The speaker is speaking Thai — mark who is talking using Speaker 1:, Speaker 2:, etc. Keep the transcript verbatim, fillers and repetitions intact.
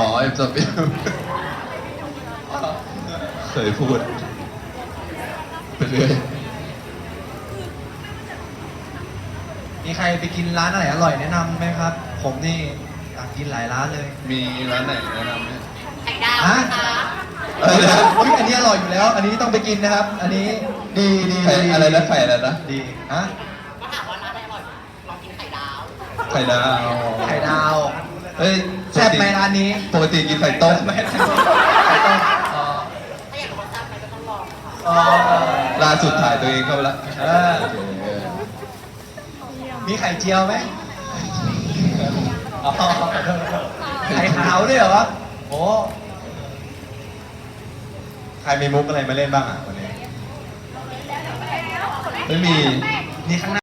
Speaker 1: เอ็มสปิลเคยพูดไปเรื่อย
Speaker 2: มีใครไปกินร้านอะไรอร่อยแนะนำไหมครับ ผมนี่อยากกินหลายร้านเลย
Speaker 1: มีร้านไหนแนะนำไหม
Speaker 3: ไข่ดาว
Speaker 2: ฮะ
Speaker 3: นะคะ
Speaker 2: เออเฮ้ยอันนี้อร่อยอยู่แล้ว อันนี้ต้องไปกินนะครับ อันนี้ดีดี
Speaker 1: ไข่
Speaker 2: ดี
Speaker 1: อะไรนะไข่อะไรนะ
Speaker 2: ดีฮะ
Speaker 3: ก็ถามว่าร้านอะไรอร่อยลองกินไข่ดาว
Speaker 1: ไข่ดาว
Speaker 2: ไข่ดาว
Speaker 1: เฮ้ย
Speaker 2: แซ่บไหมร้านนี้
Speaker 1: ปกติกินไข่ต้ม
Speaker 2: ไม่ไข่ต้มไข่ต้มอ๋อ
Speaker 3: ถ้าอยากรู้ว่าแซ่บไหมก็ต้องลองค่ะ
Speaker 2: อ๋อ
Speaker 1: ล่าสุดถ่ายตัวเองเข้าไปละ
Speaker 2: เออ
Speaker 1: โอเคเออ
Speaker 2: มีไข่เจียวไหมอ๋อไข่ขาวด้วยเหรอโอ้ใครมีมุกอะไรมาเล่นบ้างอ่ะวันนี้
Speaker 1: ไม่มี
Speaker 2: นี่ข้างหน้า